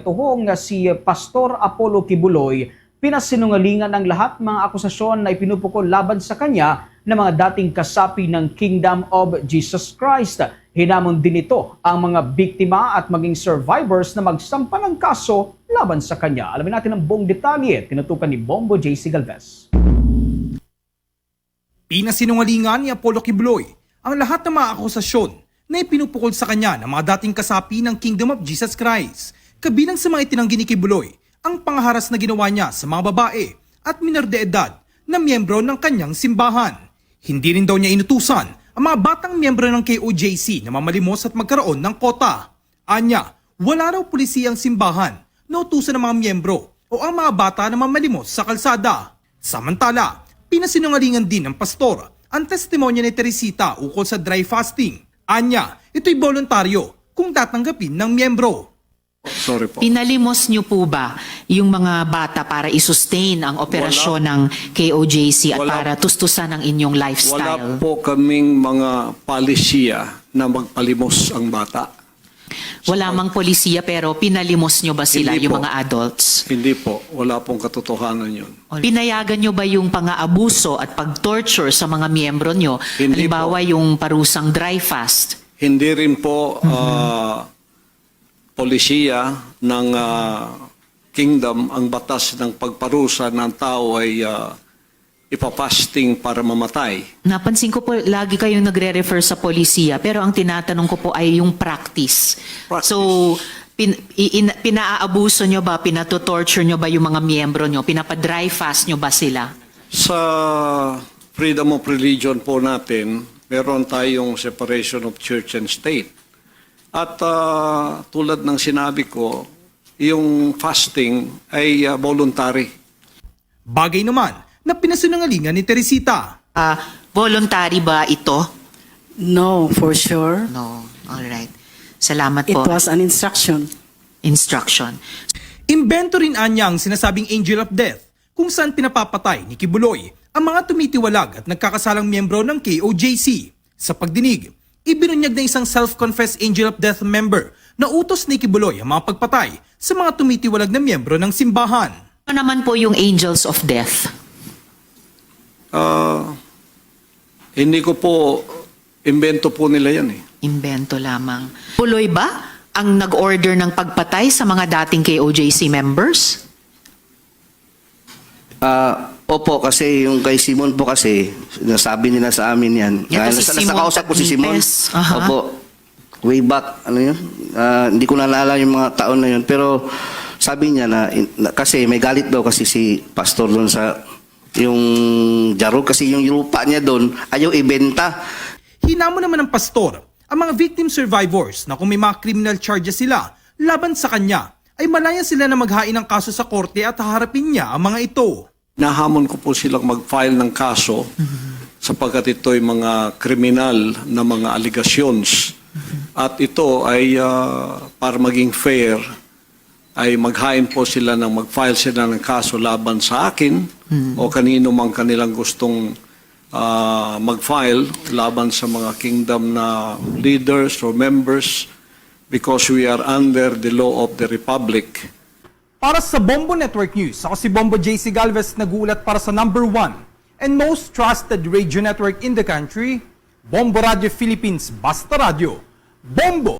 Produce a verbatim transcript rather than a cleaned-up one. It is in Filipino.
katuhong nga si Pastor Apollo Kibuloy pinasinungalingan ng lahat mga akusasyon na ipinupukol laban sa kanya ng mga dating kasapi ng Kingdom of Jesus Christ. Hinamon din ito ang mga biktima at maging survivors na magsampa ng kaso laban sa kanya. Alamin natin ang buong detalye, tinutukan ni Bombo J C Galvez. Pinasinungalingan ni Apollo Kibuloy ang lahat ng mga akusasyon na ipinupukol sa kanya ng mga dating kasapi ng Kingdom of Jesus Christ. Kabilang sa mga itinanggi ni Kibuloy ang pangharas na ginawa niya sa mga babae at minor de edad na miyembro ng kanyang simbahan. Hindi rin daw niya inutusan ang mga batang miyembro ng K O J C na mamalimos at magkaroon ng kota. Anya, wala raw pulisiyang simbahan na utusan ng mga miyembro o ang mga bata na mamalimos sa kalsada. Samantala, pinasinungalingan din ng pastor ang testimonya ni Teresita ukol sa dry fasting. Anya, ito'y voluntaryo kung tatanggapin ng miyembro. Sorry po. Pinalimos niyo po ba yung mga bata para i-sustain ang operasyon ng K O J C at Wala. para tustusan ang inyong Wala lifestyle? po kaming mga palisiya na magpalimos ang bata. Wala mang polisiya pero pinalimos niyo ba sila, Hindi yung po. mga adults? Hindi po. Wala pong katotohanan yun. Pinayagan niyo ba yung pang-aabuso at pag-torture sa mga miyembro niyo? Hindi Halimbawa yung parusang dry fast. Hindi rin po ah, polisiya ng ah, kingdom ang batas ng pagparusa ng tao ay ah, ipapasting para mamatay. Napansin ko po, lagi kayong nagre-refer sa polisiya, pero ang tinatanong ko po ay yung practice. Practice. So, pin, i- in, pinaabuso nyo ba, pinatotorture nyo ba yung mga miyembro nyo, pinapa-dry fast nyo ba sila? Sa freedom of religion po natin, meron tayong separation of church and state. At ah, tulad ng sinabi ko, yung fasting ay ah, voluntary. Bagay naman na pinasinungalingan ni Teresita. Ah, voluntary ba ito? No, for sure. No. Alright. Salamat It po. was an instruction. Instruction. Imbento rin anya ang sinasabing angel of death kung saan pinapapatay ni Kibuloy ang mga tumitiwalag at nagkakasalang miyembro ng K O J C. Sa pagdinig, ibinunyag na isang self-confessed angel of death member na utos ni Kibuloy ang mga pagpatay sa mga tumitiwalag na miyembro ng simbahan. Ano naman po yung angels of death? Ah, hindi ko po, imbento po nila yan eh. Invento lamang. Puloy ba ang nag-order ng pagpatay sa mga dating K O J C members? Ah, opo, kasi yung kay Simon po kasi, nasabi nila sa amin yan. Ito Ah, si nasa- Simon Nasakausap ko si Simon. Tagnipes. Aha. Opo. Way back, ano yun? Ah, hindi ko naalala yung mga taon na yun. Pero sabi niya na, na- kasi may galit daw kasi si pastor doon sa yung Jarog. Kasi yung lupa niya doon, ayaw ibenta. Hinamo naman ng pastor ang mga victim survivors na kung may mga criminal charges sila laban sa kanya, ay malaya sila na maghain ng kaso sa korte at haharapin niya ang mga ito. Nahamon ko po silang mag-file ng kaso sapagkat ito'y mga kriminal na mga allegations. At ito ay ah, para maging fair, ay maghain po sila ng mag-file sila ng kaso laban sa akin o kanino mang kanilang gustong ah, mag-file laban sa mga kingdom na leaders or members because we are under the law of the republic. Para sa Bombo Network News, ako si Bombo J C Galvez, nag-uulat para sa number one and most trusted radio network in the country, Bombo Radio Philippines, Basta Radio. Bombo!